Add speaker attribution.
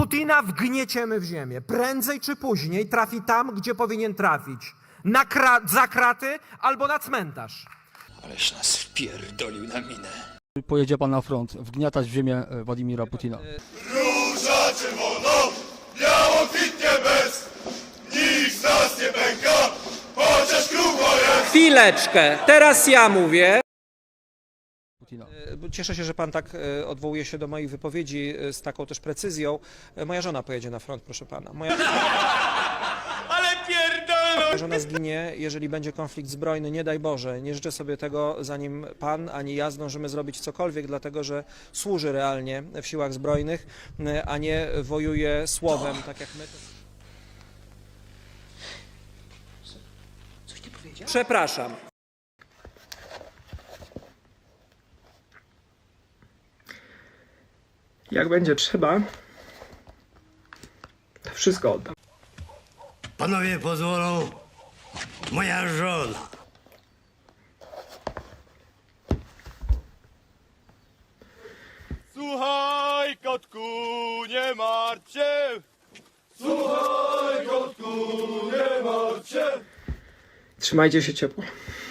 Speaker 1: Putina wgnieciemy w ziemię. Prędzej czy później trafi tam, gdzie powinien trafić. Za kraty albo na cmentarz.
Speaker 2: Aleś nas wpierdolił na minę.
Speaker 3: Pojedzie pan na front, wgniatać w ziemię Władimira Putina.
Speaker 4: Róża czerwoną, biało kwitnie bez, nikt z nas nie pęka, chociaż krucho jest.
Speaker 5: Chwileczkę, teraz ja mówię.
Speaker 3: Putina.
Speaker 5: Cieszę się, że pan tak odwołuje się do moich wypowiedzi z taką też precyzją. Moja żona pojedzie na front, proszę pana. Moja żona zginie, jeżeli będzie konflikt zbrojny, nie daj Boże. Nie życzę sobie tego, zanim pan ani ja zdążymy zrobić cokolwiek, dlatego że służy realnie w siłach zbrojnych, a nie wojuje słowem, tak jak my. Coś ty powiedział? Przepraszam.
Speaker 6: Jak będzie trzeba, to wszystko oddam.
Speaker 7: Panowie pozwolą, moja żona.
Speaker 4: Słuchaj, kotku, nie martw się. Słuchaj, kotku, nie martw się.
Speaker 6: Trzymajcie się ciepło.